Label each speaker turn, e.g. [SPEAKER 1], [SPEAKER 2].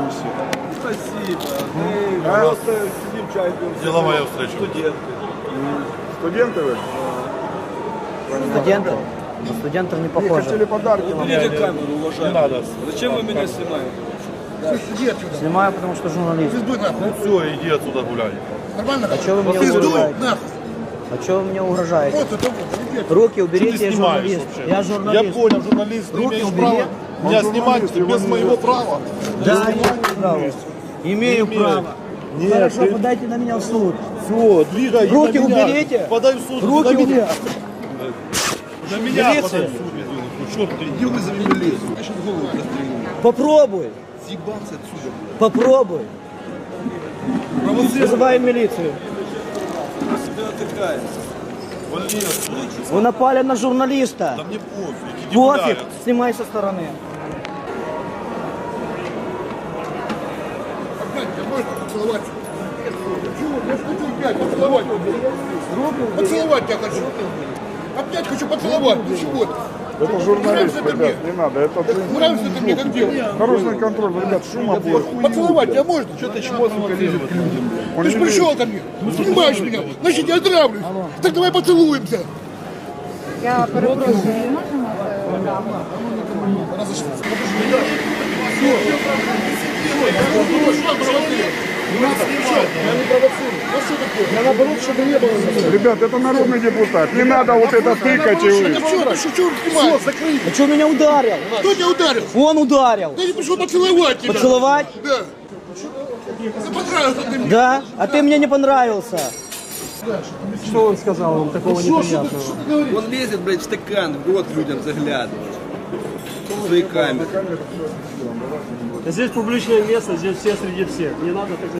[SPEAKER 1] всех.
[SPEAKER 2] Спасибо. Мы просто сидим, чай пьем.
[SPEAKER 1] Деловая встреча.
[SPEAKER 2] Студенты.
[SPEAKER 3] Студенты вы?
[SPEAKER 4] Студенты? На студентов не
[SPEAKER 3] Не
[SPEAKER 4] похоже.
[SPEAKER 3] хотели подарки вам?
[SPEAKER 2] Уберите камеру, уважаемый.
[SPEAKER 1] Не надо.
[SPEAKER 2] Зачем вы меня снимаете?
[SPEAKER 4] Снимаю, потому что журналист.
[SPEAKER 1] Ну все, иди отсюда гуляй.
[SPEAKER 4] А что вы мне угрожаете? А что вы мне угрожаете? Руки
[SPEAKER 1] Что
[SPEAKER 4] уберите,
[SPEAKER 1] ты
[SPEAKER 4] я
[SPEAKER 1] снимаешь
[SPEAKER 4] журналист.
[SPEAKER 1] вообще?
[SPEAKER 4] Я
[SPEAKER 1] Я
[SPEAKER 4] журналист.
[SPEAKER 1] понял, журналист, ты
[SPEAKER 4] Руки
[SPEAKER 1] имеешь
[SPEAKER 4] убери.
[SPEAKER 1] право меня
[SPEAKER 3] Он
[SPEAKER 1] снимать
[SPEAKER 3] журналист, его
[SPEAKER 1] без
[SPEAKER 3] не
[SPEAKER 1] моего
[SPEAKER 3] видно.
[SPEAKER 1] права.
[SPEAKER 4] Да, имею право. Имею
[SPEAKER 1] Не
[SPEAKER 4] право.
[SPEAKER 1] Нет,
[SPEAKER 4] Хорошо,
[SPEAKER 1] ты-
[SPEAKER 4] подайте на меня в суд.
[SPEAKER 1] Все, двигай.
[SPEAKER 4] Руки
[SPEAKER 1] на меня.
[SPEAKER 4] уберите.
[SPEAKER 1] Подай в суд.
[SPEAKER 4] Руки
[SPEAKER 1] на меня.
[SPEAKER 4] уберите.
[SPEAKER 1] На меня
[SPEAKER 4] Милиция.
[SPEAKER 1] подай в суд. Ну черт ты.
[SPEAKER 2] Иди вызови милицию. Я сейчас голову прострелю.
[SPEAKER 4] Попробуй.
[SPEAKER 2] Съебаться отсюда.
[SPEAKER 4] Попробуй. Вызываем милицию.
[SPEAKER 2] Кто себя отдыхает?
[SPEAKER 1] Вали отсюда.
[SPEAKER 4] Вы напали на журналиста.
[SPEAKER 1] Да мне пофиг. Иди
[SPEAKER 4] Пофиг.
[SPEAKER 1] гуляй.
[SPEAKER 4] Снимай со стороны.
[SPEAKER 5] Поцеловать. Я хочу опять поцеловать. Поцеловать тебя хочу. Опять хочу поцеловать. Ну чего ты?
[SPEAKER 3] Это журналист, ребят, не надо. Это
[SPEAKER 5] Нравится это мне как делать?
[SPEAKER 3] наружный контроль, ребят, шума будет.
[SPEAKER 5] Поцеловать тебя можно?
[SPEAKER 1] Что ты чмосника лезет к людям?
[SPEAKER 3] Он
[SPEAKER 5] Ты же
[SPEAKER 3] не
[SPEAKER 5] пришел ко мне, снимаешь меня, значит я нравлюсь. Так давай поцелуемся.
[SPEAKER 6] Я перепрошую, можемо?
[SPEAKER 3] Ребят, это народный депутат. Не надо вот это тыкать и вы.
[SPEAKER 5] Это вчера, что снимаешь?
[SPEAKER 4] А что меня ударил?
[SPEAKER 5] Кто тебя ударил?
[SPEAKER 4] Он ударил.
[SPEAKER 5] Я не пришел поцеловать тебя.
[SPEAKER 4] Поцеловать?
[SPEAKER 5] Да. Ты понравился ты мне.
[SPEAKER 4] Да? А ты мне не понравился.
[SPEAKER 7] Что он сказал вам такого неприятного?
[SPEAKER 2] Он лезет, блядь, в стакан, в рот людям заглядывает. В свои камеры.
[SPEAKER 7] Здесь публичное место, здесь все среди всех. Не надо так